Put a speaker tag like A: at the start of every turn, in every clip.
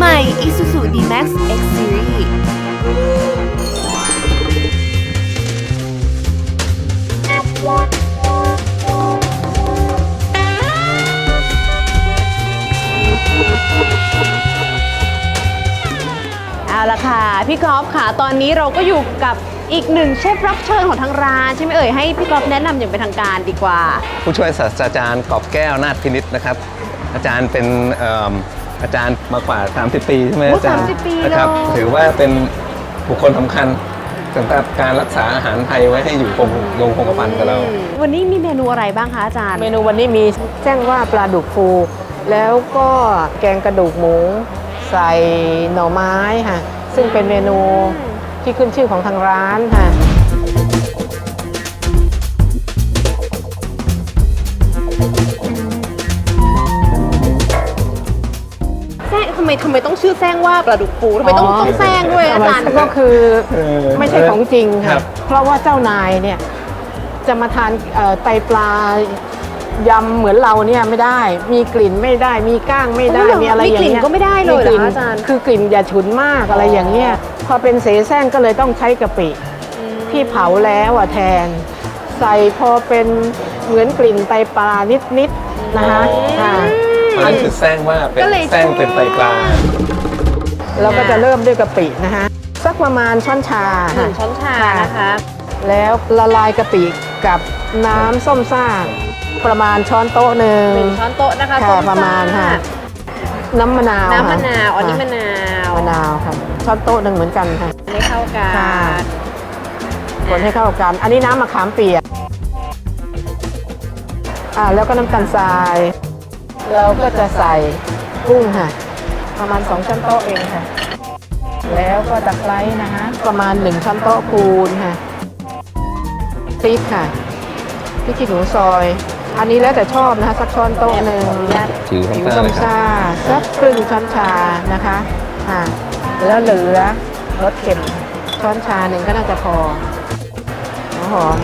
A: ม่ Isuzu D-Max X Seriesเอาละค่ะพี่กอล์ฟค่ะตอนนี้เราก็อยู่กับอีกหนึ่งเชฟรับเชิญของทางร้านใช่ไหมเอ่ยให้พี่กอล์ฟแนะนำอย่างเป็นทางการดีกว่า
B: ผู้ช่วยศาสตราจารย์กอบแก้วนาถพินิจนะครับอาจารย์เป็นอาจารย์มากว่า30 ปีใช่ไหมอาจารย์
A: 30 ปี
B: นะครับถือว่าเป็นบุคคลสำคัญสำหรับการรักษาอาหารไทยไว้ให้อยู่คงกระพันกับเรา
A: วันนี้มีเมนูอะไรบ้างคะอาจารย์
C: เมนูวันนี้มีแจ้งว่าปลาดุกฟูแล้วก็แกงกระดูกหมูใส่หน่อไม้ค่ะซึ่งเป็นเมนูที่ขึ้นชื่อของทางร้านค่ะ
A: ทำไมต้องชื่อแซงว่าปลาดุกฟูทำไมต้องแซงด้วยอาจารย์
C: ก็คือไม่ใช่ของจริงค่ะเพราะว่าเจ้านายเนี่ยจะมาทานไตปลายำเหมือนเราเนี่ยไม่ได้มีกลิ่นไม่ได้มีก้างไม่ได้มีอะไรอย่างเงี้ย
A: มีกลิ่นก็ไม่ได้เลยเหรออาจารย์
C: คือกลิ่นอย่าฉุนมากอะไรอย่างเงี้ยพอเป็นเสแสร้งก็เลยต้องใช้กะปิที่เผาแล้วแทนใส่พอเป็นเหมือนกลิ่นไตปลานิดๆนะคะ
B: อันคือแซงว่าเป็นแซงเป็นไตปลา
C: เราก็จะเริ่มด้วยกะปินะคะสักประมาณช้อนชา
A: 1 ช้อนชานะคะ
C: แล้วละลายกะปิกับน้ำส้มซ่าประมาณช้อนโต๊ะหนึ่ง
A: 1 ช้อนโต๊ะนะคะ
C: ประมาณค่ะน้ำมะนาว
A: อันนี้มะนาว
C: ค่ะช้อนโต๊ะหนึ่งเหมือนกันค่ะ
A: ให้เข้ากัน
C: คนให้เข้ากันอันนี้น้ำมะขามเปียกแล้วก็น้ำตาลทรายเราก็จะใส่กุ้งค่ะประมาณ2 ช้อนโต๊ะเองค่ะแล้วก็ตะไคร้นะคะประมาณ1 ช้อนโต๊ะคูณค่ะพริกค่ะพริกขี้หนูซอยอันนี้แล้วแต่ชอบนะคะสักช้อนโต๊ะหนึ่ง
B: ผิว
C: ส้มซ่าสักครึ่งช้อนชานะคะแล้วเหลือรสเค็มช้อนชาหนึ่งก็น่าจะพอหอม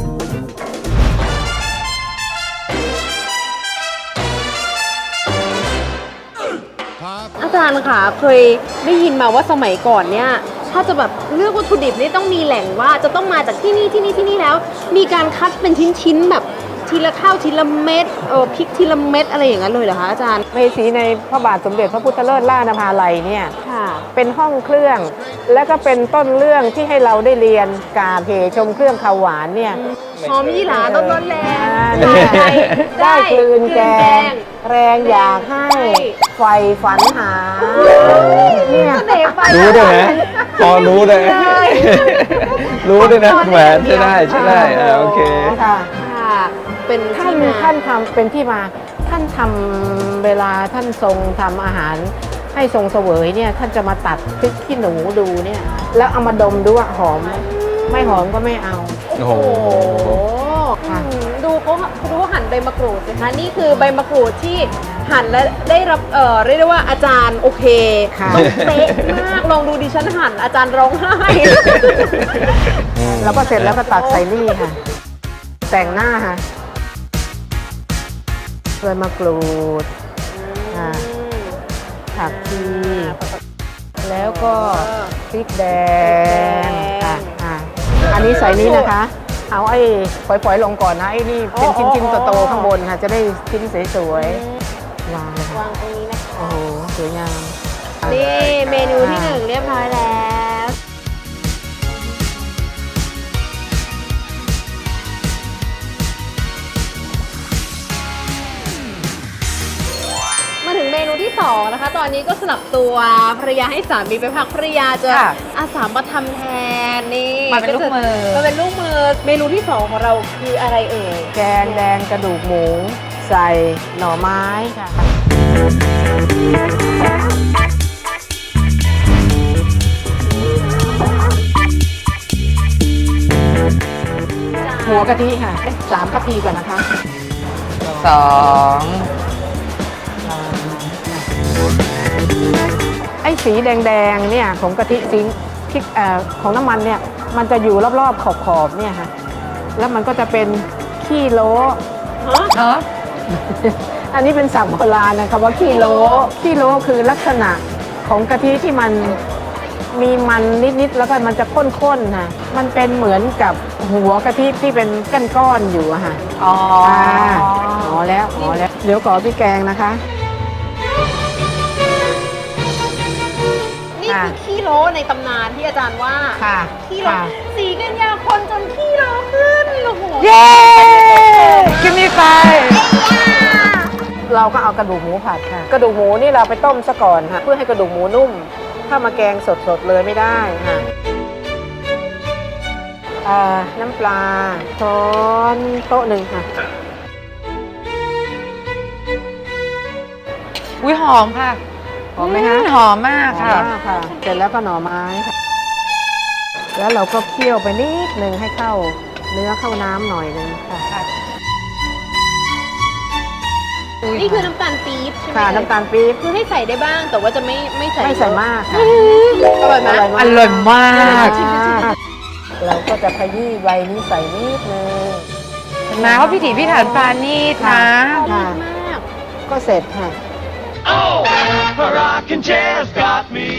A: อาจารย์ค่ะเคยได้ยินมาว่าสมัยก่อนเนี่ยถ้าจะแบบเลือกวัตถุดิบนี่ต้องมีแหล่งว่าจะต้องมาจากที่นี่แล้วมีการคัดเป็นชิ้นแบบทีละข้าวทีละเม็ดพริกทีละเม็ดอะไรอย่างนั้นเลยเหรอคะอาจารย์
C: เมสีในพระบาทสมเด็จพระพุทธเลิศล่านภาลัยเนี่ยเป็นห้องเครื่องและก็เป็นต้นเรื่องที่ให้เราได้เรียนกาเพชมเครื่องข้าวหวานเนี่ย
A: หอมยี่หร่าต้นแรง
C: ได้กลืนแกงแรงอยากให้ไฟฝันหา
B: เนี่ยรู้ด้วยนะพอรู้เลยรู้ด้วยนะแหวนใช่ได้โอเค
C: ค่ะเป็นท่านทำเป็นที่มาท่านทำเวลาท่านทรงทำอาหารให้ทรงเสวยเนี่ยท่านจะมาตัดพริกขี้หนูดูเนี่ยแล้วเอามาดมดูว่าหอมไม่หอมก็ไม่เอา
B: โอ้โห
A: ดูเขาหั่นใบมะกรูดสิคะนี่คือใบมะกรูดที่หั่นและได้รับเรียกได้ว่าอาจารย์โอเคต้องเป๊ะมากลองดูดิฉันหั่นอาจารย์ร้องไห้
C: แล้วก็เสร็จแล้วก็ตักใส่นี่ค่ะแต่งหน้าค่ะใบมะกรูดผักชีแล้วก็พริกแดงอันนี้ใส่นี้นะคะเอาไอ้ฝอยๆลงก่อนนะไอ้นี่เป็นชิ้นๆโตๆข้างบนค่ะจะได้ชิ้นสวยๆวาง
A: ตรงนี้นะคะ
C: โอ้โหสวยงาม
A: นี่เมนูที่1เรียบร้อยแล้วมาถึงเมนูที่2นะคะตอนนี้ก็สลับตัวภรรยาให้สามีไปพักภรรยาจะอาสามาทำแทนนี่
C: มาเป็นลูกมือ
A: เมนูที่2ของเราคืออะไรเอ่ย
C: แกงแดงกระดูกหมูใส่หน่อไม้ค่ะหัวกะทิค่ะ3 กะทิก่อนนะคะ2ไอ้สีแดงๆเนี่ยของกะทิซิงพริกของน้ำมันเนี่ยมันจะอยู่รอบๆขอบๆเนี่ยค่ะแล้วมันก็จะเป็นขี้โลอันนี้เป็นศัพท์โบราณนะคะว่าขี้โลคือลักษณะของกะทิที่มันมีมันนิดๆแล้วก็มันจะข้นๆค่ะมันเป็นเหมือนกับหัวกะทิที่เป็นก้อนๆอยู่อะค่ะ
A: อ๋อ
C: อ๋อแล้วเดี๋ยวขอพี่แกงนะคะ
A: นี่คือขี้โลในตำนานที่อาจารย์ว่า
C: ค่ะ
A: ขี้โล
C: ค่ะ
A: สีกันยาคนจนขี้โลขึ้นโอ้โห
C: เย้กินมีไฟเราก็เอากระดูกหมูผัดค่ะ กระดูกหมูนี่เราไปต้มซะก่อนค่ะ เพื่อให้กระดูกหมูนุ่ม ถ้ามาแกงสดๆเลยไม่ได้ค่ะน้ำปลาช้อนโต๊ะหนึ่งค่ะ
D: อุ้ยหอมค่ะ
C: หอมไหมคะ
D: หอมมากค่ะ
C: หอมมากค่ะ เสร็จแล้วก็หน่อไม้ค่ะ แล้วเราก็เคี่ยวไปนิดนึงให้เข้าเนื้อเข้าน้ำหน่อยนึงค่ะ
A: นี่คือน้ำตาลปี๊บใช่ไหม
C: ค่ะน้ำตาลปี๊บ
A: คือให้ใส่ได้บ้างแต่ว่าจะไม่ใส่
C: ไม่ใส่มากค่ะ
A: อร่อยไหม
D: อร่อยมาก
C: เราก็จะขยี้ใบนี้ใส่นิดนึง
D: นะว่าพิถีพิถันปราณีตนะ
C: ค่ะ
A: มาก
C: ก็เสร็จค่ะ
E: Oh, a rocking chair's got me.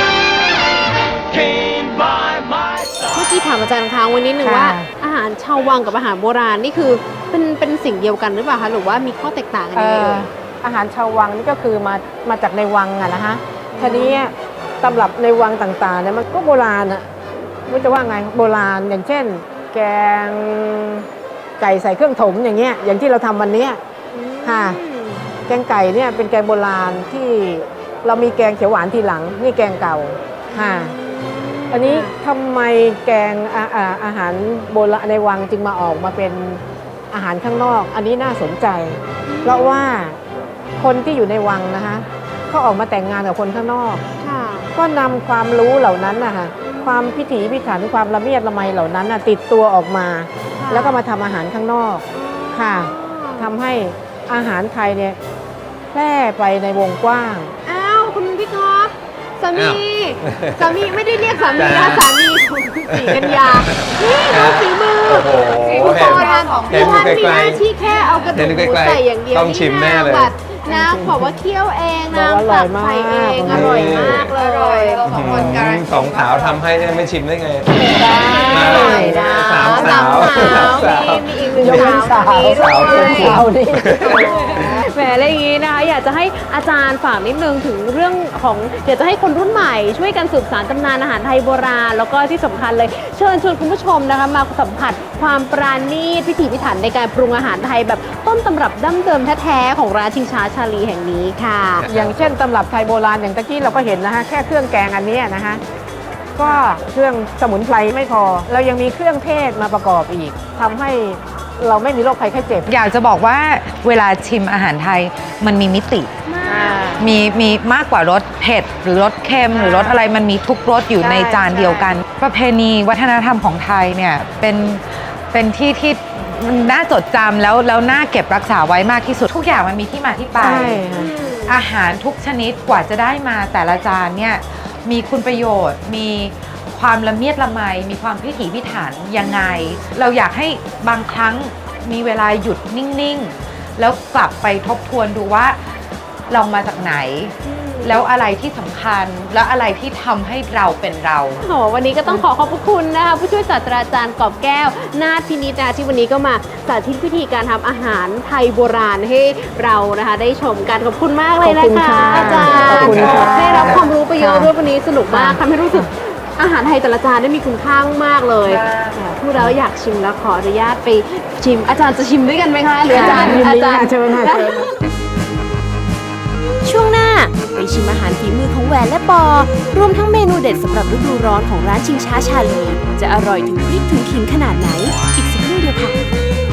E: Came by my side.
A: เมื่อกี้ถามอาจารย์ค้างไว้นิดนึง
C: ค่ะ
A: ว่า อาหารชาววังกับอาหารโบราณนี่คือเป็นสิ่งเดียวกันหรือเปล่าคะหรือว่ามีข้อแตกต่างกันยังไงเอ่ย
C: อาหารชาววังนี่ก็คือมาจากในวังอะนะคะทีนี้ตำรับในวังต่างๆเนี่ยมันก็โบราณอะไม่จะว่าไงโบราณอย่างเช่น แกงไก่ใส่เครื่องถมอย่างเงี้ยอย่างที่เราทำวันเนี้ย ค่ะ แกงไก่เนี่ยเป็นแกงโบราณที่เรามีแกงเขียวหวานทีหลังนี่แกงเก่าค่ะอันนี้ทำไมแกงอาหารโบราณในวังจึงมาออกมาเป็นอาหารข้างนอก อันนี้น่าสนใจ เพราะว่าคนที่อยู่ในวังนะคะเขาออกมาแต่งงานกับคนข้างนอก
A: ค่ะ
C: ก็นำความรู้เหล่านั้นนะคะความพิถีพิถันความละเมียดละไมเหล่านั้นน่ะติดตัวออกมา
A: ค่ะ
C: แล้วก็มาทำอาหารข้างนอกค่ะทำให้อาหารไทยเนี่ยแพร่ไปในวงกว้าง
A: อ้าวคุณพี่ก๊อฟสามี
B: อ้าว
A: สามีไม่ได้เรียกสามี
B: จ้า
A: นะสามีของสีกัญญานี่ดูฝีมือ
B: โอ้โห
A: ฝีมือ
B: เห็น
A: โบราณ
B: เห็น
A: ท่าน
B: ไกล
A: มี
B: ๆ
A: หน้าที่แค่เอากระดูกห
B: เห็น
A: มู
B: ไกลๆ
A: ใส่อย่างเดียว
B: ต้องชิมแน่เลย
A: แบบน้ำบอกว่าเคี่ยวเองน้ำตักใส่เองอร่อยมากเลย
B: สองสาวทำให้เนี่ยไม่ชิมได้ไง
A: ได้นะ
B: สามสาว
A: สาว
B: สาว
A: มีอีกหนึ่ง
C: ยกเว้น
A: สาวคนนี้
B: สาว
A: ด้วย
B: สาว
C: นี่
A: แหมอะไรอย่างนี้นะคะอยากจะให้อาจารย์ฝากนิดนึงถึงเรื่องของอยากจะให้คนรุ่นใหม่ช่วยกันสืบสานตำนานอาหารไทยโบราณ แล้วก็ที่สำคัญเลยเชิญชวนคุณผู้ชมนะคะมาสัมผัสความปราณีตพิถีพิถันในการปรุงอาหารไทยแบบต้นตำรับดั้งเดิมแท้ๆของร้านชิงช้าชาลีแห่งนี้ค่ะ
C: อย่างเช่นตำรับไทยโบราณอย่างตะกี้เราก็เห็นนะคะแค่เครื่องแกงอันเนี้ยนะคะก็เครื่องสมุนไพรไม่พอ เรายังมีเครื่องเทศมาประกอบอีกทำให้เราไม่มีโรคภัยไข้เจ็บ
D: อยากจะบอกว่าเวลาชิมอาหารไทยมันมีมิติ มีมากกว่ารสเผ็ดหรือรสเค็มหรือรสอะไรมันมีทุกรสอยู่
C: ใช่
D: ในจานเดียวกัน ประเพณีวัฒนธรรมของไทยเนี่ยเป็นที่มันน่าจดจำแล้วน่าเก็บรักษาไว้มากที่สุดทุกอย่างมันมีที่มาที่ไป
C: ใช่ค่ะ
D: อาหารทุกชนิดกว่าจะได้มาแต่ละจานเนี่ยมีคุณประโยชน์ มีความละเมียดละไม มีความพิถีพิถันยังไง เราอยากให้บางครั้งมีเวลาหยุดนิ่งๆ แล้วกลับไปทบทวนดูว่าเรามาจากไหน แล้วอะไรที่สำคัญแล้วอะไรที่ทำให้เราเป็นเรา
A: โอ้โหวันนี้ก็ต้องขอบพระคุณนะคะผู้ช่วยศาสตราจารย์กอบแก้วนาถพินิจนะที่วันนี้ก็มาสาธิตวิธีการทำอาหารไทยโบราณให้เรานะคะได้ชมกันขอบคุณมากเลยนะ
C: ขอบคุณ
A: คะ
C: ค่ะ
A: อาจารย์
C: ขอบคุณค่ะ
A: ได้รับความรู้ไปเยอะ
C: ค่ะ
A: ด้วยวันนี้สนุกมากทำให้รู้สึกอาหารไทยแต่ละจานได้มีคุณค่ามากๆเลยพูดแล้วอยากชิมแล้วขออนุญาตไปชิม อาจารย์จะชิมด้วยกันไหมคะหรืออาจารย์
C: ยิน
A: อา
C: ดี
A: จาร
C: ค่ะ
A: ย์
C: เชิญค่ะเชิญ
F: ช่วงหน้าไปชิมอาหารฝีมือของแหวนและปอ รวมทั้งเมนูเด็ดสำหรับฤดูร้อนของร้านชิงช้าชาลี จะอร่อยถึงพริกถึงขิงขนาดไหน อีกสักครู่เดียวค่ะ